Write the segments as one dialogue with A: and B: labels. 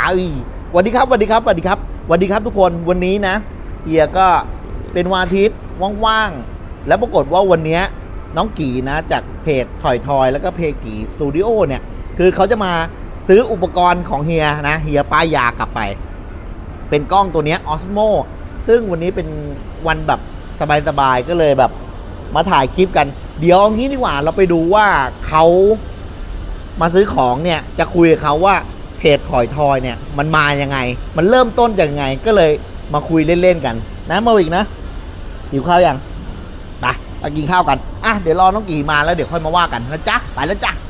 A: สวัสดีครับสวัสดีครับสวัสดีครับสวัสดีครับทุกคนวันนี้นะเฮียก็เป็นวันอาทิตย์ว่างๆแล้วปรากฏว่าวันนี้น้องกีนะจากเพจถอยทอยแล้วก็เพจกีสตูดิโอเนี่ยคือเขาจะมาซื้ออุปกรณ์ของเฮียนะเฮียป้ายยากลับไปเป็นกล้องตัวนี้ Osmo ซึ่งวันนี้เป็นวันแบบสบายๆก็เลยแบบมาถ่ายคลิปกันเดี๋ยวงี้ดีกว่าเราไปดูว่าเขามาซื้อของเนี่ยจะคุยกับเขาว่าเพจถอยทอยเนี่ยมันมายังไงมันเริ่มต้นจากยังไงก็เลยมาคุยเล่นๆกันนะมาอีกนะหิวข้าวยังไปกินข้าวกันอ่ะเดี๋ยวรอน้องกี่มาแล้วเดี๋ยวค่อยมาว่ากันนะจ๊ะไปแล้วจ้ะ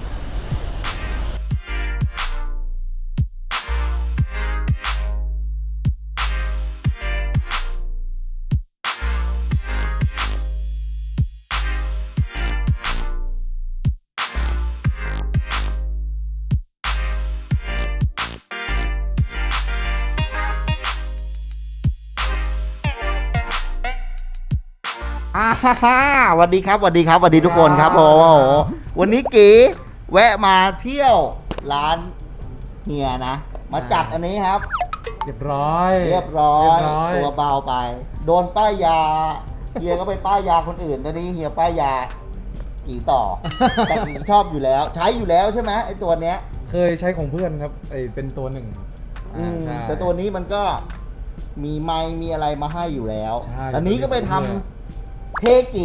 A: สวัสดีครับสวัสดีครับสวัสดีทุกคนครับโอ้โหวันนี้กีแวะมาเที่ยวร้านเฮียนะมาจัดอันนี้ครับ
B: เรียบร้อย
A: ตัวเบาไปโดนป้ายยาเฮียก็ไปป้ายยาคนอื่นตอนนี้เฮียป้ายยากี่ต่อ แต่กี่ชอบอยู่แล้วใช้อยู่แล้วใช่ไหมไอ้ตัวเนี้ย
B: เคยใช้ของเพื่อนครับไอเป็นตัวหนึ่ง
A: แต่ตัวนี้มันก็มีไมค์มีอะไรมาให้อยู่แล้วอันนี้ก็ไปทำเทกี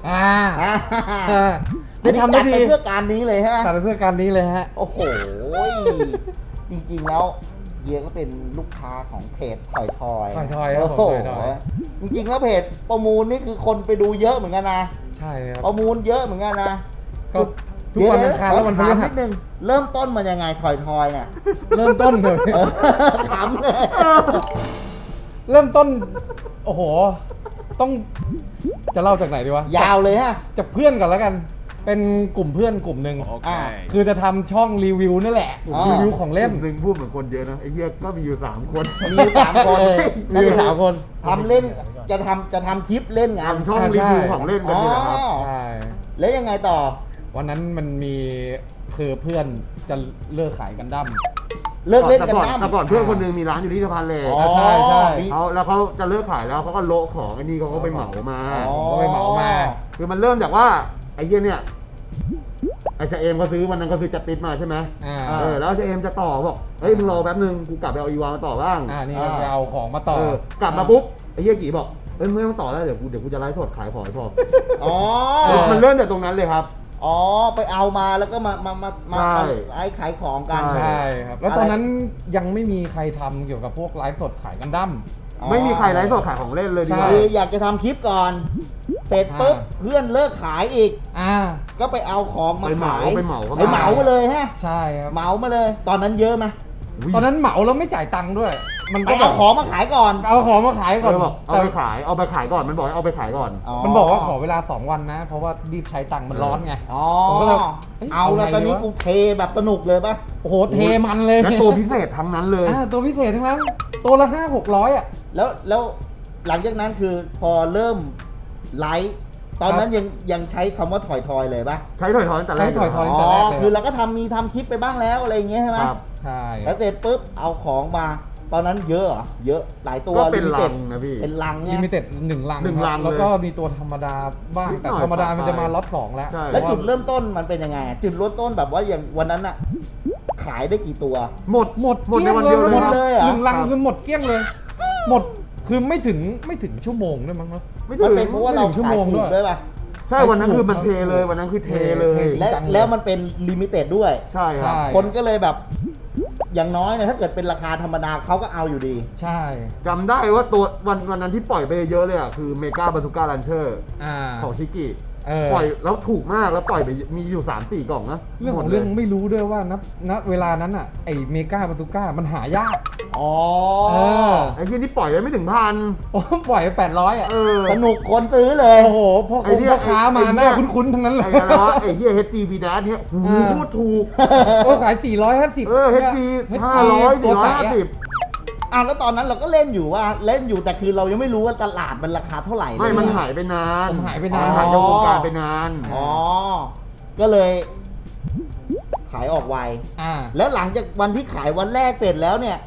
B: ได้ทำได้ดี
A: เพื่อการนี้เลยใช่ไหม
B: จัดเพื่อการนี้เลยฮะ
A: โอ้โหจริงๆแล้วเฮียก็เป็นลูกค้าของเพจถอยทอย
B: ครับผม
A: จริงๆแล้วเพจประมูลนี่คือคนไปดูเยอะเหมือนกันนะ
B: ใช่ครับ
A: ประมูลเยอะเหมือนกันนะ
B: ก็ทุกวันอังคารแล้ววันพฤหัส
A: นิดนึงเริ่มต้นมายังไงถอยทอยเนี่ย
B: เริ่มต้นเลย
A: ขำเลย
B: เริ่มต้นโอ้โหต้องจะเล่าจากไหนดีวะ
A: ยาวเลยฮะ
B: จากเพื่อนก่อนแล้วกันเป็นกลุ่มเพื่อนกลุ่มหนึ่งคือจะทำช่องรีวิวนั่นแหละรีวิวของเล่น
C: หนึ่งพูดเหมือนคนเยอะนะไอ้เหี้ยก็มีอยู่3 คน
A: มีอยู่3 คน
B: มีอยู่3 คน
A: ทำเล่นจะทำคลิปเล่นงาน
C: ช่องรีวิวของเล่นกันนี่แหละครับ
A: ใช่แล้วยังไงต่อ
B: วันนั้นมันมีคือเพื่อนจะเลิกขายกันดั้ม
A: เลิกเล่นกันดั้ม
C: แต่ก่อนเพื่อนคนนึงมีร้านอยู่ที่สะพานเหล็ก
B: ใช่
C: เขาแล้วเขาจะเลิกขายแล้วเขาก็โละของไอ้นี่เขาก็ไปเหมามาคือมันเริ่มจากว่าไอ้เหี้ยเนี่ยไอ้เจเอมเขาซื้อวันนั้นเขาซื้อจัดติดมาใช่ไหมแล้วเจเอมจะต่อบอกเฮ้ยมึงรอแป๊บนึงกูกลับไปเอาอีวามาต่อบ้าง
B: นี่จะเอาของมาต่
C: อกลับมาปุ๊บไอ้เหี้ยกี่บอกไม่ต้องต่อแล้วเดี๋ยวกูจะไลฟ์สดขายของให้พอมันเริ่มจากตรงนั้นเลยครับ
A: ไปเอามาแล้วก็มาขายของกัน
B: ใช่ครับแล้วตอนนั้นยังไม่มีใครทำเกี่ยวกับพวกไลฟ์สดขายกันดั้ม
C: ไม่มีใครไลฟ์สดขายของเล่นเลย
A: คืออยากจะทำคลิปก่อนเสร็จปุ๊บเพื่อนเลิกขายอีกก็ไปเอาของมาขาย
C: ไปเหมา
A: มาเลยฮะ
B: ใช่ครับ
A: เหมามาเลยตอนนั้นเยอะไหม
B: ตอนนั้นเหมาแล้วไม่จ่ายตังค์ด้วย
A: มันก็เอาของมาขายก่อน
B: เอาของมาขายก่อน
C: เอาไปขายก่อนมันบอกเอาไปขายก่อน
B: มันบอกว่าขอเวลา2 วันนะเพราะว่ารีบใช้ตังค์มันร้อนไง
A: ผมก็เลยเอาแล้วตอนนี้กูเทแบบสนุกเลยป่ะ
B: โอ้โหเทมันเลย
C: แล้วตัวพิเศษทั้งนั้นเลย
B: ตัวพิเศษทั้งนั้นตัวละ500-600
A: แล้วหลังจากนั้นคือพอเริ่มไลฟ์ตอนนั้นยังใช้คำว่าถอยทอยเลยป่ะ
C: ใช้ถอยทอยแต่แรก
A: คือเราก็ทมีทำคลิปไปบ้างแล้วอะไรอย่างเงี้ยใช่ไหม
B: ใช่
A: แล้วเสร็จปุ๊บเอาของมาตอนนั้นเยอะเยอะหลายตัว
C: ก็เป็นลังนะพี่
A: เป็นลัง
B: ลิมิเต็ด1 ลังแล้วก็มีตัวธรรมดาบ้างแต่ธรรมดามันจะมาล็อต2แล้ว
A: จุดเริ่มต้นมันเป็นยังไงจุดเริ่มต้นแบบว่าอย่างวันนั้นอะขายได้กี่ตัว
B: หมด
C: ในวันเดียว
A: เลย
B: 1 ลังคือหมดเกลี้ยงเลยหมดคือไม่ถึงชั่วโมงด้วยมั้งเนาะ
A: ไม่ถึงเพราะว่าเรา
B: ชั่วโมงด้วย
A: ป่ะ
C: ใช่วันนั้นคือมันเทเลยวันนั้นคือเทเลย
A: แล้วมันเป็นลิมิเต็ดด้วย
C: ใช่ครับ
A: คนก็เลยแบบอย่างน้อยเนี่ยถ้าเกิดเป็นราคาธรรมดาเขาก็เอาอยู่ดี
B: ใช่
C: จำได้ว่าตัววันนั้นที่ปล่อยไปเยอะเลยอ่ะคือเมกาบาซูก้าลันเชอร์ของชิกิปล่อยแล้วถูกมากแล้วปล่อยไปมีอยู่ 3-4 กล่องนะ
B: เรื่องของเรื่องไม่รู้ด้วยว่าณเวลานั้นอ่ะไอเมกาบาซูก้ามันหายาก
C: ไอ้ที่นี่ปล่อยไว้ไม่ถึง1,000
B: ปล่อยไป800อ่ะ
A: สนุกคนซื้อเลย
B: โอ้โหพ่อค้ามาหน้าคุ้นๆทั้งนั้นเลย
C: ไอ้เหี้ย HG V Dash เนี่ยโคตรถูก
B: ก็ขาย450
C: HG 500 450
A: แล้วตอนนั้นเราก็เล่นอยู่แต่คือเรายังไม่รู้ว่าตลาดมันราคาเท่าไหร่
C: ไม่มันหายไปนาน
B: ผมหายไปนาน
C: หายจากวงการไปนาน
A: ก็เลยขายออกไว
B: อ่า
A: แล้วหลังจากวันที่ขายวันแรกเสร็จแล้วเนี่ย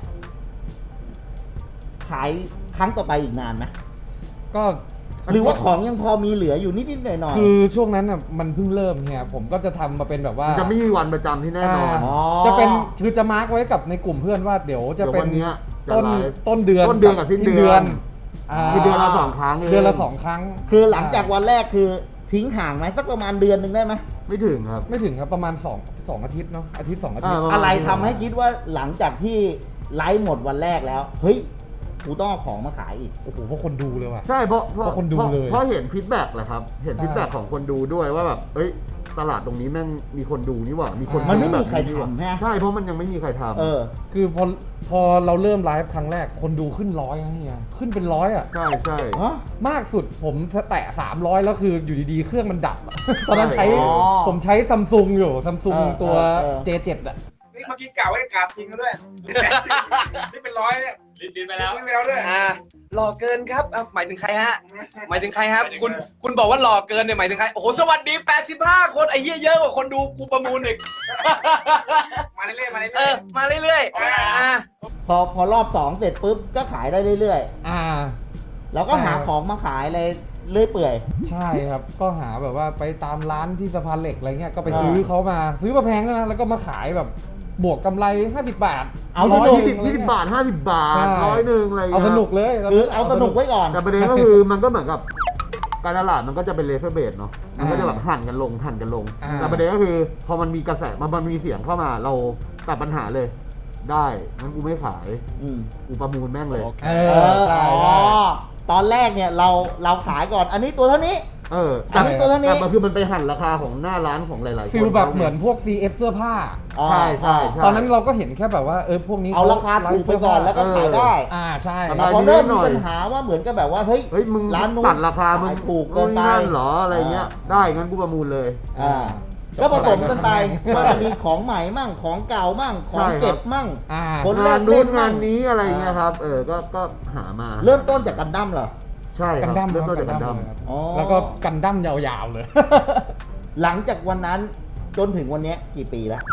A: ขายครั้งต่อไปอีกนานไหม
B: ก็
A: หรือว่าของยังพอมีเหลืออยู่นิดๆหน่อยๆ
B: คือช่วงนั้นอ่ะมันเพิ่งเริ่มเนี่ยผมก็จะทำมาเป็นแบบว่า
C: จะไม่มีวันประจำที่แน่นอน
B: อ่าจะเป็นคือจะมาร์กไว้กับในกลุ่มเพื่อนว่าเดี๋ยวจะเป็น
C: เดี๋ยววันเนี้ยจะ
B: ต้น
C: ไลฟ์
B: ต้นเดือน
C: ต้นเดือนกับสิ้นเดือน คือเดือนละ2 ครั้งเอง
B: เดือนละ2 ครั้ง
A: คือหลังจากวันแรกคือทิ้งห่างไหมสักประมาณเดือนหนึ่งได้ไหม
C: ไม่ถึงครับ
B: ไม่ถึงครับประมาณ2อาทิตย์เนาะอาทิตย์2อาทิตย์
C: ประมาณ
A: อะไรทำให้คิดว่าหลังจากที่ไลฟ์หมดวันแรกแล้ว เฮ้ยกูต้องเอาของมาขายอีก
B: โอ้โหเพราะคนดูเลยว่ะ
C: ใช่เพราะ
B: เพราะคนดูเลย
C: เพราะเห็นฟีดแบ็กแหละครับ เห็นฟีดแบ็กของคนดูด้วยว่าแบบเอ้ยตลาดตรงนี้แม่งมีคนดูนี่หว่ามีคน
A: มันไม่
C: ซื้อ
A: มี
C: แบบ
A: ใคร
C: นี่หว่า
A: ทำฮะ
C: ใช่เพราะมันยังไม่มีใครทำ
A: เออ
B: คือพอเราเริ่มไลฟ์ครั้งแรกคนดูขึ้น100นะเฮียขึ้นเป็น100อ่ะ
C: ใช่ใช่
A: ฮะ
B: มากสุดผมแตะ300แล้วคืออยู่ดีๆเครื่องมันดับอะ ตอนนั้นใช้
A: อ๋อ
B: ผมใช้ซัมซุงอยู่ซัมซุง
A: เออ
B: ตัว
A: เออ
B: J7 อ่ะ
D: นี่เมื่อกี้กล่าวไว้กราบจริงกันด้วย นี่เป็นร้อยเนี่ยลิ้นไปแล้วลิ้นไปแล้วด้วย
E: หล่อเกินครับหมายถึงใครฮะ หมายถึงใครครับ คุณบอกว่าหล่อเกินเนี่ยหมายถึงใคร โอ้โห สวัสดี 85 คนไอ้เหี้ยเยอะกว่าคนดูกูประมูลอีก
D: มาเรื่อยๆมาเรื่
E: เอ
D: อย
E: อ มาเรื่อยๆ
A: พอรอบ2เสร็จปุ๊บก็ขายได้เรื่อย
B: อ่า
A: ๆ แล้วก็หาของมาขายอะไรเรื่อยเปื่อย
B: ใช่ครับ ก็หาแบบว่าไปตามร้านที่สะพานเหล็กอะไรเงี้ยก็ไป
A: อ่า
B: ซื้อเขามาซื้อมาแพงนะแล้วก็มาขายแบบบวกกำไร50 บาท
A: เอา
B: ร้
A: ส
B: ย
A: นุก
B: หนึ่ง
C: 20 บาท 50 บาท
B: ใช่
C: 100อะไร
B: เอาสนุกเลย
A: คือเอาสนุกไว้ก่อน
C: แต่ประเด็นก็คือมันก็เหมือนกับการตลาดมันก็จะเป็นเลเซอร์เบสเนาะมันก็จะแบบหั่นกันลงแต่ประเด็นก็คือพอมันมีกระแสมันมีเสียงเข้ามาเราตัดปัญหาเลย ได้งั้นกูไม่ขาย
A: อืม
C: กูประมูลแม่งเลย
B: เอ
A: เอ
B: อ
A: อ
B: ใช่
A: อ๋อ
B: ใช่
A: ตอนแรกเนี่ยเราขายก่อน อันนี้ตัวเท่านี้
C: แต่
A: อันนี้ตัวเท่านี้
C: แต่มันคือมันไปหั่นราคาของหน้าร้านของหลายๆคน
B: ฟิลแบบเหมือนพวก CF เสื้อผ้า
C: ใช่ใช่ใช่
B: ตอนนั้นเราก็เห็นแค่แบบว่าพวกนี้
A: เอาราคาถูกไปก่อนแล้วก็ขายได้
B: ใช่
A: แต่พอเริ่มมีปัญหาว่าเหมือนกับแบบว่าเฮ้ย
C: เฮ้ยมึง
A: ร้านนู้น
C: ตัดราคามึง
A: ขายถูกเกินไป
C: นั่นเหรออะไรเงี้ยได้งั้นกูประมูลเลย
A: อ่าก็ผสมกันไปว่าจะมีของใหม่มั่งของเก่ามั่งของเก็บมั่ง
B: อ่า
A: คน
C: งาน
A: เล่
C: นู้
A: น
C: น
A: มั่
C: งาง นนี้อะไรเงี้ยครับก็หามา
A: เริ่มต้นจากกันดั้มเหรอ
C: ใช่ค
B: กั
C: รั
B: น
C: บ
B: ดั้ม
C: เริ่มต้นจากกันดั้ม
B: ครับ
A: อ๋อ
B: แล้วก็กันดั้มยาวๆเลย
A: หลังจากวันนั้นจนถึงวันเนี้ยกี่ปีแล้ว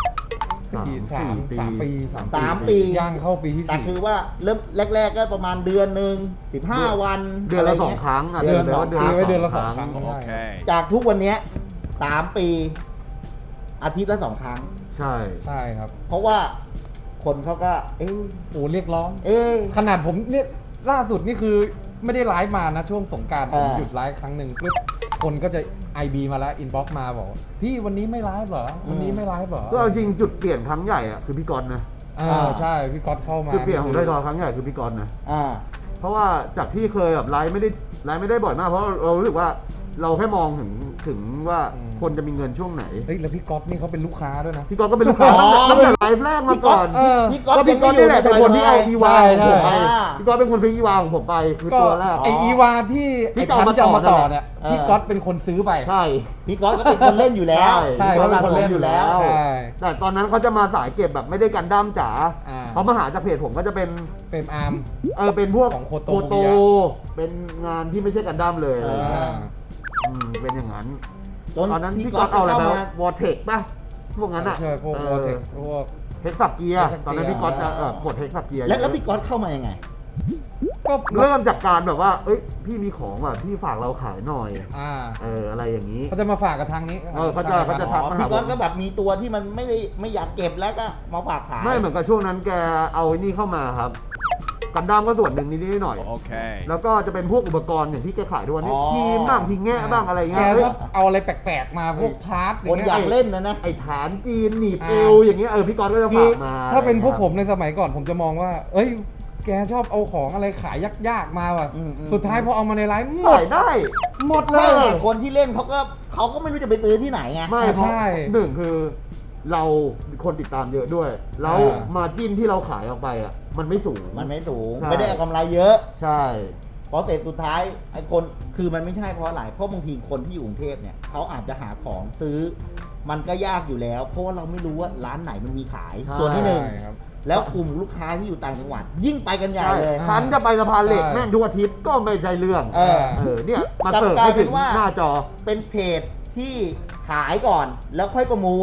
B: 3 ปี
A: 3 ปี
B: ย่างเข้าปีที่
A: แต่คือว่าเริ่มแรกๆก็ประมาณเดือนหนึ่ง15 วัน
C: เดือนละ
A: ไร
C: 2
A: งี้ย
C: ครั้ง
A: เดือนละ
B: ตีไว้เดือนละ2 ครั้ง
A: จากทุกวันเนี้ย3 ปี อาทิตย์ละ 2 ครั้ง
C: ใช่
B: ใช่ครับ
A: เพราะว่าคนเขาก็ เอ๊ะ
B: โอ้เรียกร้อง
A: เอ๊ะ
B: ขนาดผมเนี่ยล่าสุดนี่คือไม่ได้ไลฟ์มานะช่วงสงกรารผม
A: อ่า
B: หยุดไลฟ์ครั้งหนึ่งปุ๊บคนก็จะ IB มาแล้วอินบ็อกมาบอกว่าพี่วันนี้ไม่ไลฟ์เหรอวันนี้ไม่ไลฟ์เหรอ
C: ก็เอาจริงจุดเปลี่ยนครั้งใหญ่อะคือพี่กรณ์นะ
B: ใช่พี่ก๊อตเข้ามา
C: จุดเปลี่ยนของไทยทอยครั้งใหญ่คือพี่กรณ์นะ
A: อ่า
C: เพราะว่าจากที่เคยแบบไลฟ์ไม่ได้บ่อยมากเพราะเรารู้สึกว่าเราแค่มองถึงว่าคนจะมีเงินช่วงไหน
B: เฮ้ยแล้วพี่ก๊อตนี่เขาเป็นลูกค้าด้วยนะ
C: พี่กรณ์ก็เป็นลูกค้า
A: อ๋อ
C: ตั้งแต่ไลฟ์แรกมาก่อน
A: พี่ก๊อต
C: ก็
A: ยั
C: พี่
A: ง
C: ก
A: ไม่
C: รณ์
A: อยู่
C: นี่แห
A: ใน
C: ละเป็นคนที่เอาอีวาของผมไป
A: อ่า
C: พี่กรณ์เป็นคนซื้ออีวาของผมไปคือ
B: ก็
C: ตัวแรก
B: ไออีวาที่
C: ที่
B: ไอพัน
C: จะ
B: จะ
C: เอา
B: เอา
C: มา
B: มา
C: ต่
B: ต่
C: อ
B: อเนี่ย
A: เออ
B: พี่ก๊อตเป็นคนซื้อไป
C: ใช่
A: พี่ก๊อตก็เป็นคนเล่นอยู่แล้ว
B: ใช่
A: พี่ก๊อต
B: เขาเป็นคนเล่น
A: อยู่แล้ว
B: ใช่
C: แต่ตอนนั้นเขาจะมาสายเก็บแบบไม่ได้กันดั้มจ๋า
B: อ่า
C: เขามาหาจากเพจผมก็จะเป็น
B: เฟรมอาร์ม
C: เป็นพวก
B: ของโคโต
C: โตเป็นงานที่ไม่ใช่กันดั้มเลยอะไรอย่างเงี้ยเป็นอย่างนั้น
A: จน
C: ตอนนั้น
A: พี่
C: พี่
A: ก๊
C: ก๊
A: อ
C: อ
A: ต
C: ตเอาอะไร
A: เข้า
C: ไป
A: มา
C: วอร์เทคป่ะพวกนั้นอ่ะ
B: ใช่พวกโปรเทคพวก
C: เฮกซับเกียร์
B: Hexac
C: ตอนนั้นพี่ก๊อตจะกดเฮกซับเกียร์
A: แล้วพี่ก๊อตเข้ามายังไง
B: ก็
C: เริ่มจากการแบบว่าเอ้ยพี่มีของว่ะพี่ฝากเราขายหน่อย อะไรอย่างนี้
B: เขาจะมาฝากกับทางนี้
C: เขาจะ ทักมาหา
A: พี่ก๊อตก็แบบมีตัวที่มันไม่อยากเก็บแล้วก็มาฝากขาย
C: ไม่เหมือนกับช่วงนั้นแกเอาไอ้นี่เข้ามาครับกันดั้มก็ส่วนหนึ่งนิดๆหน่อยๆแล้วก็จะเป็นพวกอุปกรณ์อย่างที่แกขายด้วยนี่ครีมบ้างทีแง่บ้างอะไร
B: แก
C: เงี้ย
B: ก็เอาอะไรแปลกๆมาพวกพาร์ท
A: คนอยากเล่นนะ
C: ไอ้ฐานจีนหนีบเอวอย่างเงี้ยพี่ก๊อตก็จะ
B: คื
C: ฝา
B: อก
C: มา
B: ถ้าเป็นพวกผมในสมัยก่อนผมจะมองว่า เอ้ย แกชอบเอาของอะไรขายยากๆมาว่ะ สุดท้ายพอเอามาในไลฟ์หม
C: ขา
B: ด
C: ยได้
B: หมดเล
A: ใช่
B: ย
A: ไงคนที่เล่นเขาก็ไม่รู้จะไปซื้อที่ไหนไง
C: ไม่เพราะ
B: ใช่
C: หนึ่งคือเราคนติดตามเยอะด้วย แล้วมาจิ้นที่เราขายออกไปอ่ะมันไม่สูง
A: มันไม่สูง
C: ใช่
A: ไม่ได้เอากำไรเยอะ
C: ใช่
A: เพราะเสร็จสุดท้ายไอ้คนคือมันไม่ใช่เพราะอะไรเพราะบางทีคนที่อยู่กรุงเทพเนี่ยเขาอาจจะหาของซื้อ มันก็ยากอยู่แล้ว เพราะว่าเราไม่รู้ว่าร้านไหนมันมีขายส่วนที่หนึ่ง
B: ใช่ครับ
A: แล้วกลุ่มลูกค้าที่อยู่ต่างจังหวัด ยิ่งไปกันใหญ่เลย
C: คันจะไปสะพานเหล็ก
B: ใช่
C: แม่งทุกอาทิตย์ก็ไม่ใช่เรื่อง
A: เออ
C: เนี่ยมา
A: แต่
C: เสิร์ฟ
A: กลาย
C: ให้
A: เป็
C: ถึ
A: น
C: ง
A: ว่า
C: หน้าจอ
A: เป็นเพจที่ขายก่อนแล้วค่อยประมูล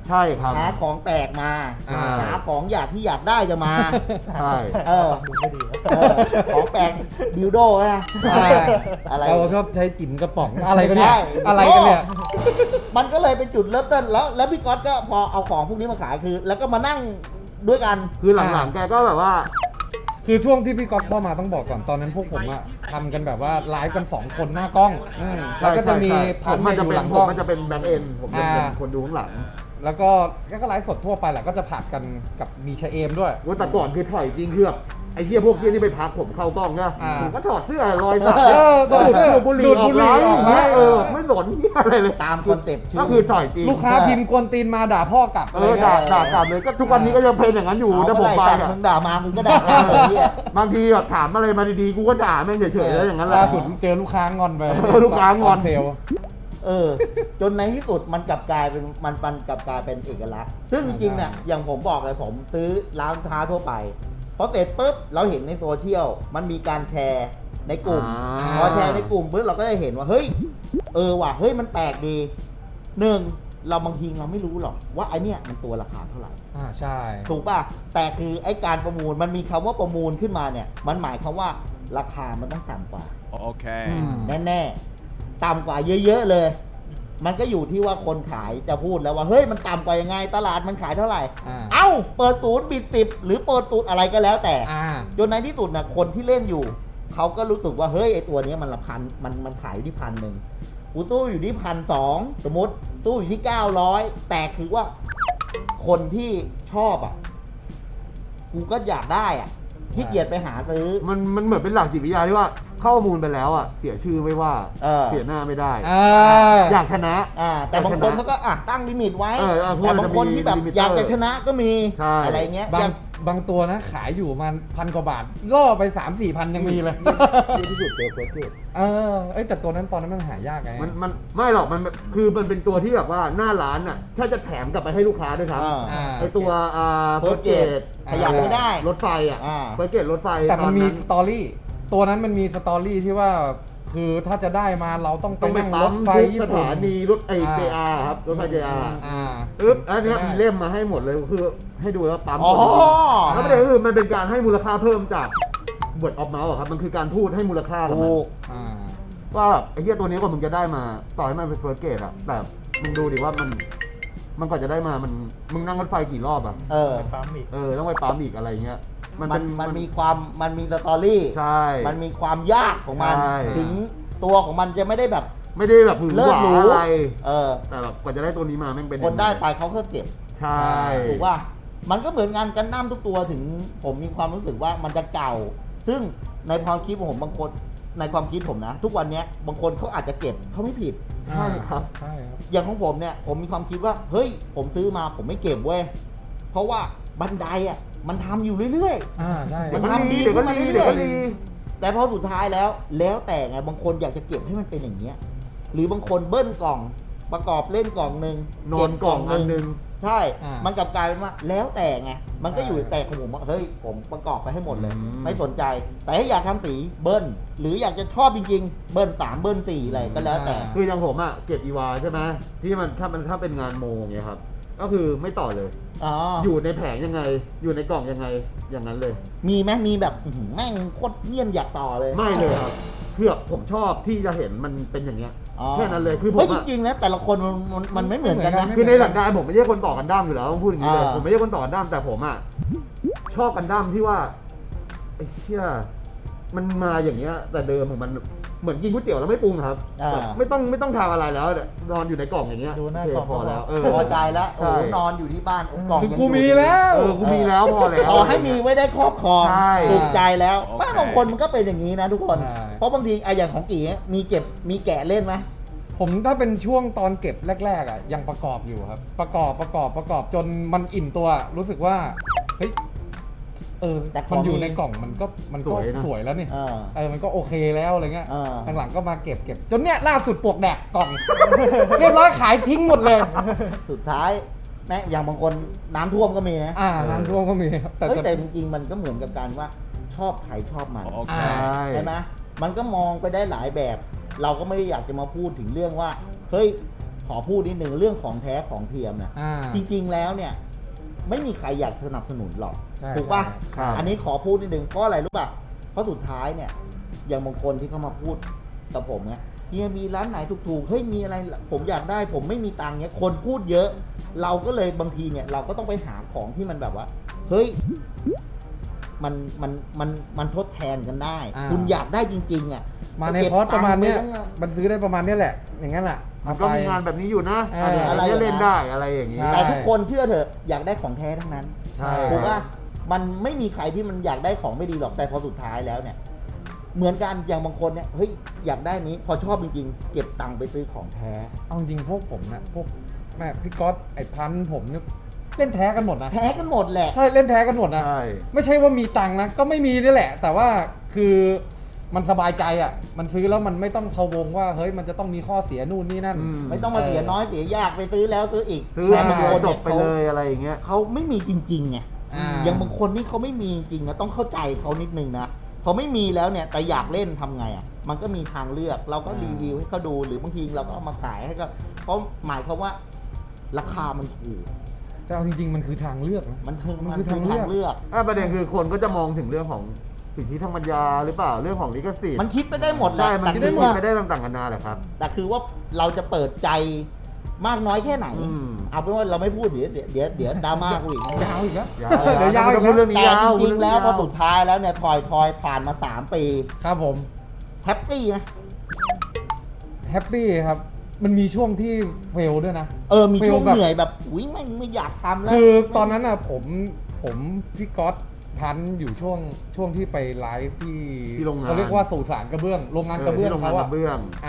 C: ใช่ครับ
A: หาของแปลกมา
B: อ่า
A: หาของอยากที่อยากได้จะมา
C: ใช่
A: เออของแปลกดิวโดฮะอะไร
B: เราชอบใช้จิ๋มกระป๋องอะไรกันเนี่ย
A: ใช่
B: อะไรกันเนี่ย
A: มันก็เลยเป็นจุดเริ่มต้นแล้วพี่ก๊อตก็พอเอาของพวกนี้มาขายคือ แล้วก็มานั่งด้วยกัน
C: คือหลังๆแกก็แบบว่า
B: คือช่วงที่พี่ก๊อฟเข้ามาต้องบอกก่อนตอนนั้นพวกผมอะทำกันแบบว่าไลฟ์กัน2คนหน้ากล้อง แล้วก็จะมี
C: ผ
B: พัน
C: ม
B: ธุ์
C: มันจะ
B: อยู่
C: เป็
B: ห
C: น
B: ลัง
C: ผ
B: กล้
C: ม
B: อง
C: มันจะเป็นแบ็คเอนผมจะเป็น
B: อ่า
C: คนดูข้างหลัง
B: แล้วก็ไลฟ์สดทั่วไปแหละก็จะผัดกันกับมีชะเอมด้วย
C: ว่าแต่ก่อนคือถอยจริงคือแบบไอ้เหี้ยพวกเหี้ยนี่ไปพักผมเข้ากล้องเนี่ย
B: อ่า
C: ผมก็ถอดเสื้อรอยสัก
B: เออ
C: ดูดบุหรี่
B: ดูด
C: อ
B: บุ
C: อก
B: หรี่
C: ไลฟ์
B: ออก
C: อย่างเงี้ย
B: ไลฟ์
C: ไม่สนเหี้ยอะไรเลย
A: ตามคอนเซ็ปต์ชื่
C: ก็คือถอยจริง
B: ลูกค้าพิมพ์กวนตีนมาด่าพ่อกลับ
C: เออด่ากลับเลยก็ทุกวันนี้ก็ยังเป็นอย่างนั้นอยู่
A: เอา
C: ถ้าผ
A: เมื่อ
C: ม
A: ไหร่
C: ไป
A: ตัด
C: อะ
A: มึงด่ามามึงก็ด่ามาเลยเนี่ย
C: บางทีแบบถามอะไรมาดีๆกูก็ด่าแม่งเฉยๆแล้วอย่างนั้นแหละ
B: ล่าสุดเจอลูกค้างอนไป
C: ลูกค้างอน
B: เซล
A: จนในที่สุดมันกลับกลายเป็นมันกลับกลายเป็นเอกลักษณ์ซึ่งจริงๆเนี่ยอย่างผมบอกเลยผมซื้อร้านค้าทั่วไปพอเสร็จปุ๊บเราเห็นในโซเชียลมันมีการแชร์ในกลุ่ม พอแชร์ในกลุ่มปุ๊บเราก็จะเห็นว่าเฮ้ยว่ะเฮ้ยมันแปลกดีหนึ่งเราบางทีเราไม่รู้หรอกว่าไอเนี้ยมันตัวราคาเท่าไหร่
B: ใช่
A: ถูกป่ะแต่คือไอการประมูลมันมีคำว่าประมูลขึ้นมาเนี่ยมันหมายความว่าราคามันต้องต่ำกว่า
F: Okay.
A: แน่ๆต่ำกว่าเยอะๆเลย มันก็อยู่ที่ว่าคนขายจะพูดแล้วว่าเฮ้ยมันต่ำกว่ายังไงตลาดมันขายเท่าไหร่ เอ้าเปิดศูนย์ปิด10หรือเปิดศูนย์อะไรก็แล้วแต่จนในที่สุดนะคนที่เล่นอยู่เขาก็รู้สึกว่าเฮ้ยไอตัวเนี้ยมันละพันมันขายอยู่ที่1,100กูตู้อยู่ที่1,200สมมติตู้อยู่ที่900แต่คือว่าคนที่ชอบอ่ะกูก็อยากได้อ่ะขี้เกียจไปหาซื้อ
C: มันเหมือนเป็นหลักจิตวิทยาที่ว่าเข้าประมูลไปแล้วอ่ะเสียชื่อไม่ว่า เสียหน้าไม่ได้ อยากชนะ
A: แต่บางคนเขาก็ตั้งลิมิตไว้
C: พวก
A: แต่
C: มัน
A: บาง
C: จะมี
A: คนที่แบบ
C: ลิมิเตอร์
A: อยากจะชนะก็มี
C: ใช่
A: อะไรเงี้ย
B: บางตัวนะขายอยู่มัน1,000 กว่าบาท ล่อไป 3-4 พันยังมีเลย
C: เยอะที่สุดเจอเฟิร์สเกต
B: แต่ตัวนั้นตอนนั้นมันหายากไง
C: มันไม่หรอกคือมันเป็นตัวที่แบบว่าหน้าร้านอ่ะถ้าจะแถมกลับไปให้ลูกค้าด้วยครับ ไอตัวเฟิร์สเกต
A: ขยับไม่ได้
C: รถไฟอ่ะเฟิร์สเกตรถไฟ
B: แต่มันมี
C: ตอ
B: สตอรี่ตัวนั้นมันมีสตอรี่ที่ว่าคือถ้าจะได้มาเราต้องไป
C: ต้องไป
B: นั่งร
C: ปั๊ม
B: ถไฟ
C: ทุก
B: ญี่
C: ส
B: ปุ่น
C: ถานีรถJR ครับรถไฟ JR อันเนี้ย
B: ได้
C: มีเล่มมาให้หมดเลยคือให้ดูแล้วปั๊ม
A: อ๋อ
C: แล้วประเด็นคือมันเป็นการให้มูลค่าเพิ่มจาก word of mouth อะครับมันคือการพูดให้มูลค่ากับมัน
A: ถูก
C: ว่าไอ้เหี้ยตัวนี้กว่ามึงจะได้มาต่อให้มันเป็น first grade อะแต่มึงดูดิว่ามันก่อนจะได้มามึงนั่งรถไฟกี่รอบอะ ต้องไปปั๊มอีกอะไรเงี้ย
A: มันมีสตอรี่
C: ใช่
A: มันมีความยากของมัน
C: ใช่
A: ถึงตัวของมันจะไม่ได้แบบ
C: ไม่ได้แบบหือ
A: เลิ
C: ห
A: ศ
C: วา
A: หรู
C: อะไร
A: แต่
C: แต่แบบกว่าจะได้ตัวนี้มาแม่งเป็น
A: คนได้ไปเขาก็เก็บ
C: ใช่
A: ถูกว่ามันก็เหมือนงานกันน้ำทุกตัวถึงผมมีความรู้สึกว่ามันจะเก่า ซึ่งในความคิดของผมบางคนในความคิดผมนะ ทุกวันนี้บางคนเขาอาจจะเก็บเขาไม่ผิด
C: ใช่ครับ
B: ใช่ครับ
A: อย่างของผมเนี่ยผมมีความคิดว่าเฮ้ยผมซื้อมาผมไม่เก็บเว้ยเพราะว่าบันไดอ่ะมันทำอยู่เรื่อย
B: ใช่
A: มัน
C: เดี๋ยวก็
A: ทำดี
C: รีเดี๋ยวก็
A: ขึ้นมา
C: รี
A: เรื่อยๆ
C: เดี๋ยวก็รี
A: ๆแต่พอสุดท้ายแล้วแต่ไงบางคนอยากจะเก็บให้มันเป็นอย่างเงี้ยหรือบางคนเบิ้ลกล่องประกอบเล่นกล่องหนึ่ง
C: นอนกล่องอันหนึง
A: ใช่ มันกลับกลายเป็นว่าแล้วแต่ไงมันก็อยู่แต่ของผมว่าเฮ้ยผมประกอบไปให้หมดเลย ไม่สนใจ แต่ถ้าอยากทำสีเบิ้ลหรืออยากจะชอบจริงๆเบิ้ล3เบิ้ล4อะไรก็แล้วแต่
C: คืออย่างผมอะเก็บอีวาใช่ไหมที่มันถ้าเป็นงานโมงเงี้ยครับก็คือไม่ต่อเลย
A: อ๋อ
C: อยู่ในแผงยังไง อยู่ในกล่องยังไงอย่างนั้นเลย
A: มีไหมมีแบบอื้อหือแม่งโคตรเงียนอยากต่อเลย
C: ไม่เลยครับเพื่อผมชอบที่จะเห็นมันเป็นอย่างเงี้ย
A: อ๋อ
C: แค่นั้นเลยคือผม
A: เฮ้ยจ
C: อะ
A: ริงๆนะแต่ละคนมันไม่เหมือนกันนะ
C: คือในหลักการผมไม่ใช่คนต่อกันดั้มอยู่แล้วต้องพูดอย่างนี้เลย
A: อ่า
C: ผมไม่ใช่คนต่อกันดั้มแต่ผมอะชอบกันดั้มที่ว่าไอ้เชี่ยมันมาอย่างเงี้ย แต่เดิมของมันเหมือนกินก๋วยเตี๋ยวแล้วไม่ปรุงครับแบบไม่ต้องทำอะไรแล้วนอนอยู่ในกล่องอย่างเงี้ย
F: ดูหน้า
C: โเค
F: กล่อง
C: พอแล้ว
A: พอใจแล้ว
C: ใช่
A: โอ้นอนอยู่ที่บ้านกล่อง
B: คือ
A: ยัง
B: กู
A: อยู่
B: มีแล้ว
C: กูมีแล้วพอแล้ว
A: ขอให้มีไว้ได้ครอบครอง
C: ใช่
A: ถูกใจแล้ว
F: โอเค
A: ไม่บางคนมันก็เป็นอย่างนี้นะทุกคน
B: ใช่
A: เพราะบางทีไอ้อย่างของกี่มีเก็บมีแกะเล่นไหม
B: ผมถ้าเป็นช่วงตอนเก็บแรกๆอ่ะยังประกอบอยู่ครับ ประกอบจนมันอิ่มตัวรู้สึกว่าเฮ้ย
A: แต่ข
B: มั
A: อน ง
B: อยู่
A: มี
B: ในกล่องมันก็สวยแล้วนี่ มันก็โอเคแล้วอะไรเงี้ย หลังๆก็มาเก็บจนเนี้ยล่าสุดปลวกแดกกล่อง เรียบร้อยขายทิ้งหมดเลย
A: สุดท้ายแม้อย่างบางคนน้ำท่วมก็มีนะ
B: น้ำท่วมก็มีแต่
A: แต่จริงๆมันก็เหมือนกับการว่าชอบใครชอบมัน
F: Okay.
A: ใช่ไหมมันก็มองไปได้หลายแบบ เราก็ไม่ได้อยากจะมาพูดถึงเรื่องว่าเฮ้ยขอพูดนิดนึงเรื่องของแท้ของเทียมนะ จริงๆแล้วเนี่ยไม่มีใครอยากสนับสนุนหรอก
B: ใช่
A: ถูกป่ะ
C: ใช่
A: อันนี้ขอพูดนิดนึงเพราะอะไรรู้ป่ะเพราะสุดท้ายเนี่ยอย่างบางคนที่เขามาพูดกับผมเนี่ยเฮียมีร้านไหนถูกๆเฮ้ยมีอะไรผมอยากได้ผมไม่มีตังค์เนี่ยคนพูดเยอะ เราก็เลยบางทีเนี่ยเราก็ต้องไปหาของที่มันแบบว่าเฮ้ยมันทดแทนกันได้ คุณอยากได้จริงๆอ่ะ
B: มาในคอร์สประมาณเนี้ย
A: เก็บตังค์ไปทั้ง
B: มันซื้อได้ประมาณเนี้ยแหละ อย่างนั้นแหละ
C: มันก็มีงานแบบนี้อยู่นะ
A: อะไร
C: จะเล่นได้อะไรอย่างนี้
B: ใช่
A: แต่ทุกคนเชื่อเถอะอยากได้ของแท้ทั้งนั้น
B: ใช่
A: ถูกป่ะมันไม่มีใครที่มันอยากได้ของไม่ดีหรอกแต่พอสุดท้ายแล้วเนี่ยเหมือนกันอย่างบางคนเนี่ยเฮ้ยอยากได้นี้พอชอบจริงๆเก็บตังค์ไปซื้อของแท้
B: เอาจริงๆพวกผมนะพวกแม่พี่ก๊อตไอ้พันธุ์ผมเนี่ยเล่นแท้กันหมดนะ
A: แท้กันหมดแหละ
B: ใช่เล่นแท้กันหมดนะ
C: ใช่
B: ไม่ใช่ว่ามีตังค์นะก็ไม่มีนี่แหละ แต่ว่าคือมันสบายใจอ่ะมันซื้อแล้วมันไม่ต้องพะวงว่าเฮ้ยมันจะต้องมีข้อเสียนู่นนี่นั่น
A: ไม่ต้องมาเสียน้อยเสียยากไปซื้อแล้วซื้ออีก
C: ซื้อ
A: แต่
C: มา
A: บางคน
C: จ
A: เนี่
C: บ
A: ย
C: ไปเลยอะไรอย่างเงี้ย
A: เขาไม่มีจริงๆไง
B: อ่า
A: อย่างบางคนนี่เขาไม่มีจริงๆนะต้องเข้าใจเขานิดนึงนะพอไม่มีแล้วเนี่ยแต่อยากเล่นทำไงอ่ะมันก็มีทางเลือกเราก็รีวิวให้เขาดูหรือบางทีเราก็เอามาขายให้ก็เพราะหมายความว่าราคามันถูก
B: แต่เอาจริงๆมันคือทางเลือกนะ
A: มันคือ
B: มัน
A: มัน
B: คือ
A: คือ
B: ทา
A: ทาง ง
B: เลื
A: เลื
B: อ
A: อก ก
C: ประเด็นคือคนก็จะมองถึงเรื่องของสิทธิทางปัญญาหรือเปล่าเรื่องของลิขสิทธิ์
A: มันคิดไปได้หมดแหละ
C: ใช่มัน
A: แต่
C: คิด
A: คื
C: ได้
A: อ
C: หมด
A: ว่า
C: ไปได้ต่างๆกันานาแหละครับ
A: แต่คือว่าเราจะเปิดใจมากน้อยแค่ไหน
C: อืม
A: เอาเป็นว่าเราไม่พูดเดี๋ยวดราม่ากูอีก
B: ยาวอีกแล้ว
C: ยาว
B: เดี๋ยวยาวอีก
C: พูดเรื่อง
B: แล้ว
C: นี้
A: แต่
C: ยาว
A: จริงๆแล้วพอสุดท้ายแล้วเนี่ยทอยผ่านมา3 ปี
B: ครับผม
A: แฮปปี้ไหม
B: แฮปปี้ครับ มันมีช่วงที่เฟลด้วยนะ
A: มีช่วง
B: แบบ
A: เหนื่อยแบบอุ้ยไม่อยากทำแล้ว
B: คือตอนนั้นอ่ะผมพี่ก๊อตพันธุ์อยู่ช่วงที่ไปไลฟ์ที่
C: ที่โรงงาน
B: เขาเรียกว่าสุสานกระเบื้องโรงงานกระเบื้อง
C: ที่โรงงาน
B: เขา
C: ก
B: อะ
C: ระเบื้อง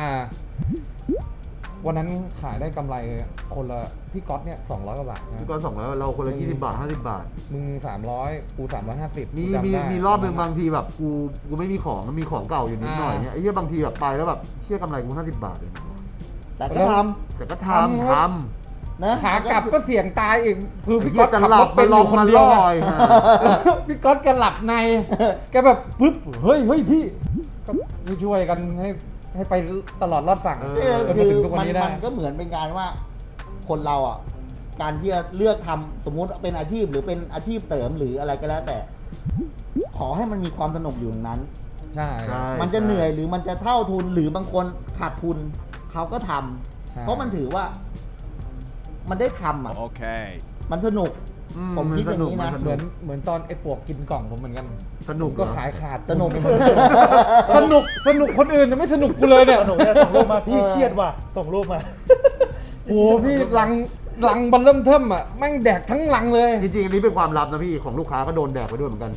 B: วันนั้นขายได้กำไรคนละพี่ก๊อตเนี่ย200 กว่าบาทนะ
C: พี่ก้อน200เราคนละ20 บาท 50 บาท
B: มึง300กู350
C: มี
B: กูจำได้
C: มีรอบหนึ่งบางทีแบบกูไม่มีของมันมีของเก่าอยู่นิดหน่อยเนี่ยไอ้เหี้ยบางทีแบบไปแล้วแบบเชี่ยกำไรกู50 บาทเอง
A: แต่ก็ท
C: แต่ก็
B: ทำ
C: ทำ
A: ำนะ
B: ขากลับก็เสี่ยงตายอีกคือ
C: ไอ้
B: พี่
C: เหี้
B: ก๊
C: ย
B: อต
C: จะ
B: ขับ
C: หลั
B: ร
C: บ
B: ถ
C: ไป
B: เป็น
C: ล
B: อง ยู่คน
C: มา
B: เดียว
C: ล
B: ไง
C: อยฮะ
B: พี่ก๊อตแกหลับในแกแบบปึ๊บเฮ้ยพี่ก็ช่วยกันให้ไปตลอดรอดฝั่ง จนมา
A: คือ
B: ถึงทุกวัน
A: มัน
B: นี้ได้
A: ก็เหมือนเป็นการว่า คนเราอ่ะการที่จะเลือกทำสมมุติเป็นอาชีพหรือเป็นอาชีพเสริมหรืออะไรก็แล้วแต่ ขอให้มันมีความสนุกอยู่ตรงนั้น
B: ใช่
C: ใช่
A: มันจะเหนื่อยหรือมันจะเท่าทุนหรือบางคนขาดทุนเขาก็ทำ
B: ใช่
A: เพราะมันถือว่า มันได้ทำอ่ะ
F: Okay.
A: มันสนุก ผมคิดอย่างนี้นะ
C: มั
B: เหมือนตอนไอ้ปวกกินกล่องผมเหมือนกัน
C: สนุก
B: ผมก็ขายขาด
A: สนุก
B: สนุกคนอื่นแต่ไม่สนุกกูเลยเนี่ย
G: หนูเนี่ยส่งรูปมาพี่เครียดว่ะส่งรูปมา
B: โอ้พี่ลังบันเริ่มเทิมอ่ะแม่งแดกทั้งลังเลย
C: จริงๆอันนี้เป็นความลับนะพี่ของลูกค้าก็โดนแดกไปด้วยเหมือนกัน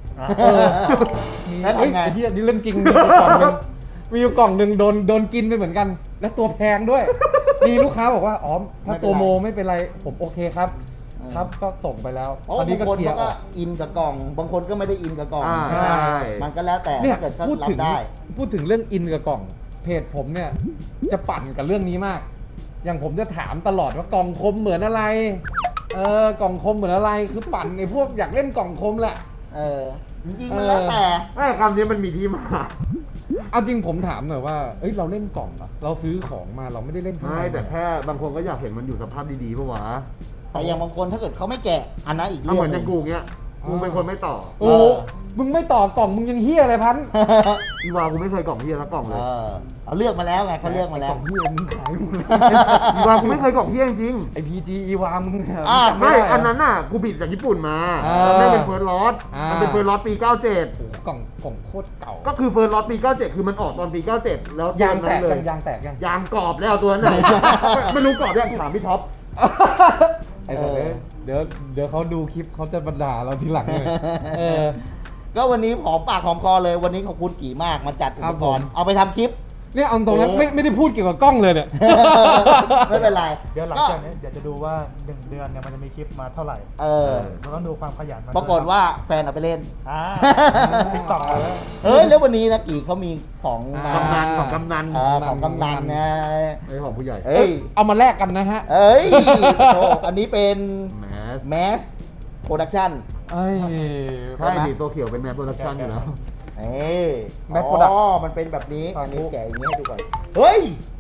A: แล้ว
B: เฮ้ย
A: ทำไง
B: ไอ้เหี้ยนี่เรื่องจริงมีอยู่กล่องหนึงมีอยู่กล่องหนึ่งโดนกินไปเหมือนกัน และตัวแพงด้วยมีลูกค้าบอกว่าอ๋อถ้าตัวโมไม่เป็นไรผมโอเคครับ ครับก็ส่งไปแล้ว
A: เพราะ
B: ตอนนี้
A: บาง
B: ก็
A: คน
B: เคลีย
A: เขา
B: ร์อ
A: ก็
B: อก
A: อินกับกล่อง บางคนก็ไม่ได้อินกับกล่อง
C: ใช่
A: มันก็แล้วแต่
B: เนี่ย
A: ถ้าเกิดเขา
B: พูด
A: รั
B: ถึ
A: บ
B: ง
A: ได้
B: พูดถึงเรื่องอินกับกล่องเพจผมเนี่ยจะปั่นกับเรื่องนี้มาก อย่างผมจะถามตลอดว่ากล่องคมเหมือนอะไรกล่องคมเหมือนอะไรคือปั่นไอ้พวกอยากเล่นกล่องคมแหละ
A: จริงๆมันแล้วแต่
C: ไม่คำนี้มันมีที่มา
B: เอาจริงผมถามหน่อยว่าเอ้ยเราเล่นกล่องเหรอเราซื้อของมาเราไม่ได้เล่นข้างใน
C: ไม่แต่แค่บางคนก็อยากเห็นมันอยู่สภาพดีๆปะวะ
A: แต่อย่างบางคนถ้าเกิดเขาไม่แกะอันนั้นอีก
C: เอา
A: เรื่อ
C: เหมื
A: ง
C: อน
A: ห
C: อ
A: นึ่
C: ย่าง งกูเงี้ยกูเป็นคนไม่ต่อ
B: โอ้มึงไม่ต่อกล่องมึงยังเฮี้ยอะไรพัน
C: อีวากูไม่เคยกล่องเฮียสักกล่องเลย
A: เอาเลือกมาแล้วไงเขาเลือกมาแล้ว
B: กล่องเฮี้ยมึงขายมึง
C: อีวากูไม่เคยกล่องเฮียจริง
B: ไอพีจีอีวามึงเนี่ย
A: อ่ะ
B: จำ
C: ไม่
B: ด้เหร
C: อันนั้นน่ะกูบิดจากญี่ปุ่นมา
B: อ่า
C: แล้วไม่เป็นเฟิร์สลอต
B: อ่ามั
C: มันเป็นเฟิร์สลอตปี
B: โอ้โหกล่องโคตรเก่า
C: 97 ก็คือเฟิร์สลอตปี 97 คือมันออกตอนปี 97 แล้ว
B: ยางแตก
C: เล
B: ยังยางแตกยัง
C: ยางกรอบแล้วตัวนั้นน่ะ ไม่รู้กรอบยังถามพี่ท็อป
B: ไอ้สัตว์เดี๋ยวเขาดูคลิปเขาจะบรรดาเราทีหลังเลยเออ
A: ก็วันนี้หอมปากหอมคอเลยวันนี้ขอบคุณกี่มากมาจัดอุ
B: ครั
A: ป
B: บ
A: กรณ์
B: ผม
A: เอาไปทำคลิป
B: เนี่ยเอาตรงนั้น
A: โอ้
B: ไม่ได้พูดเกี่ยวกับกล้องเลยเนี่ย
A: ไม่เป็นไร
G: เดี๋ยวหลัง
A: ก็
G: จากนี้เดี๋ยวจะดูว่า1 เดือนเนี่ยมันจะมีคลิปมาเท่าไหร่ เราต้องดูความขยันมัน
A: ปรากฏว่าแฟนเอาไปเล่น
G: ติ๊กต็อก
A: เฮ้ยแล้ววันนี้นะกี่เขามีของมาก
C: ำนันของกำนัน
A: ของกำนันนะ
C: ไอ้ของผู้ใหญ่
A: เอ้ย
B: เอามาแลกกันนะฮะ
A: เอ้ยโธ่อันนี้เป็น
C: แมส
A: แมสโปรดักชั่น
B: เอ้ย
C: ใช่ดิตัวเขียวเป็นแมสโปรดักชั่นอยู่แล้ว
A: เอ้ย
B: Mass Product
A: มันเป็นแบบนี้
B: ครับ
A: อันนี้แกะอย่างนี้ให้ดูก่อน เฮ้ย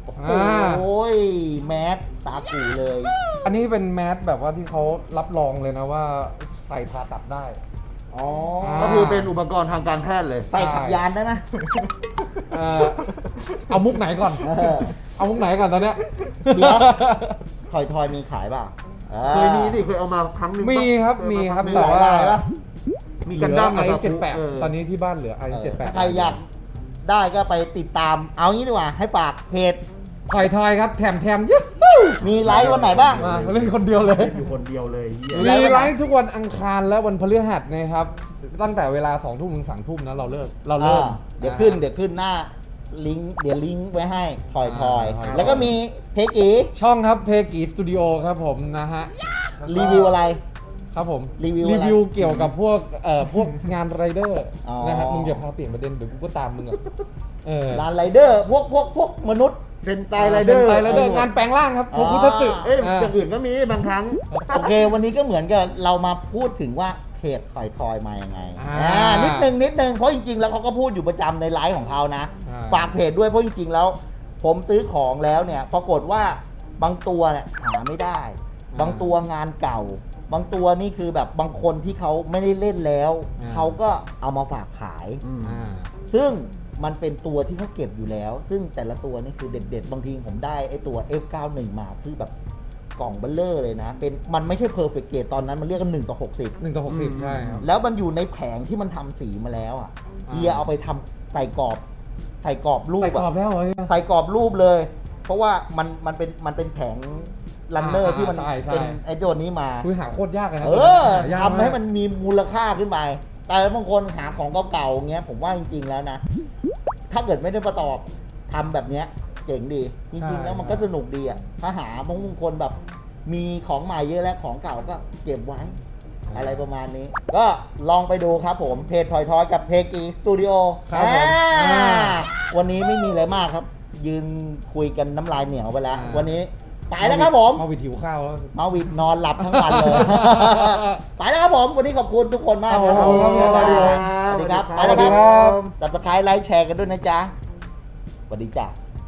A: โอ้โห
B: อ่า
A: แมสสากูเลย
B: อันนี้เป็นแมสแบบว่าที่เขารับรองเลยนะว่าใส่ผ่าตัดได้
A: อ๋อ
C: ก็คือเป็นอุปกรณ์ทางการแพทย์เลย
A: ใส่ขับยานได้ไหม
B: เอามุกไหนก่อน
A: เออ
B: เอามุกไหนก่อนตอนเนี้ย
A: เดี๋ยว ทอยมีขายเปล่า
C: เคยมีดิเคยเอามาครั้งหนึงปะ
B: มีครับมีครับ
A: มี
B: แต่
A: หลาย
B: ว่า
A: ลายปะ
C: มี
B: เห
C: กัน
B: ลื
C: ดั้
B: อ
C: ม
B: ไอ
C: กับ
B: 78
C: เออ
B: ตอนนี้ที่บ้านเหลือไอ
A: ถ้า
B: 78
A: ใครอยากได้ก็ไปติดตาม เอางี้ดีกว่า ให้ฝากเพจ
B: ถอยครับแถมเยอะ
A: มีไลฟ์วันไหนบ้าง
B: มาเล่นคนเดียวเลย
C: อยู่คนเดียวเลยเหี้ย
B: มีไลฟ์ทุกวันอังคารและวันพฤหัสนะครับ ตั้งแต่เวลา 2 ทุ่มถึง 3 ทุ่มนะเราเริ่ม
A: เดี๋ยวขึ้นหน้าลิงก์เดี๋ยวลิงก์ไว้ให้ทอย
B: อ่า
A: แล้วก็มีเพจอี
B: ช่องครับเพกีสตูดิโอครับผมนะฮะ
A: รีวิวอะไร
B: ครับผม
A: รีวิวอะไร
B: เกี่ยวกับพวกงานไรเดอร์
A: อ๋อ
B: นะฮะมึงอย่าพาเปลี่ยนประเด็นเดี๋ยวกูก็ตามมึงอ่ะ
A: ร้านไรเดอร์พวกมนุษย์
C: เซนไตไรเดอร์
B: ไตไรเดอร์งานแปลงร่างครับพวกพุทธสึก
C: เอ้ยอย่างอื่นก็มีบางครั้ง
A: โอเค วันนี้ก็เหมือนกับเรามาพูดถึงว่าเพจทอยมายังไง นิดนึงเพราะจริงๆแล้วเขาก็พูดอยู่ประจำในไลฟ์ของเขานะ ฝากเพจด้วยเพราะจริงๆแล้ว ผมซื้อของแล้วเนี่ยปรากฏว่าบางตัวเนี่ยหาไม่ได้ บางตัวงานเก่า บางตัวนี่คือแบบบางคนที่เขาไม่ได้เล่นแล้วเขาก็เอามาฝากขาย ซึ่งมันเป็นตัวที่เขาเก็บอยู่แล้ว ซึ่งแต่ละตัวนี่คือเด็ดๆ บางทีผมได้ไอตัว F91 มาคือแบบกล่องเบลเลอร์เลยนะ มันไม่ใช่ perfect grade ตอนนั้นมันเรียกกัน1 ต่อ 60
B: 1 ต่อ 60 ใช่ครับ
A: แล้วมันอยู่ในแผงที่มันทำสีมาแล้วอ่ะเฮียเอาไปทำใส่กรอบรูป
B: ใส่กรอบแล้วเหรอ
A: ใส่กรอบรูปเลย เพราะว่ามันเป็นแผงลันเนอร์ที่มัน
B: ใช่
A: เป็นไอตัวนี้มา
B: คือหาโคตรยากเลยนะ
A: ทำให้มันมีมูลค่าขึ้นไป แต่บางคนหาของเก่าๆเงี้ยผมว่าจริงๆแล้วนะ ถ้าเกิดไม่ได้ประกอบทำแบบเนี้ยเจ๋งดี จริงๆแล้วมันก็สนุกดีอ่ะถ้าหาบางคนแบบมีของใหม่เยอะแล้วของเก่าก็เก็บไว้ อะไรประมาณนี้ ก็ลองไปดูครับผมเพจทอยกับเพกีสตูดิโอ
B: ครับผม
A: วันนี้ไม่มีอะไรมากครับ ยืนคุยกันน้ำลายเหนียวไปแล้ว วันนี้ไปแล้วครับผม
B: มาวิดหิวข้าวแล้ว
A: มาวิดนอนหลับทั้งวันเลย ไปแล้วครับผม วันนี้ขอบคุณทุกคนมากครับผม
C: ขอบคุณครับ
A: สวัสดีครับ ไปแล้วครับ Subscribe ไลค์แชร์กันด้วยนะจ๊ะสวัสดีจ้ะ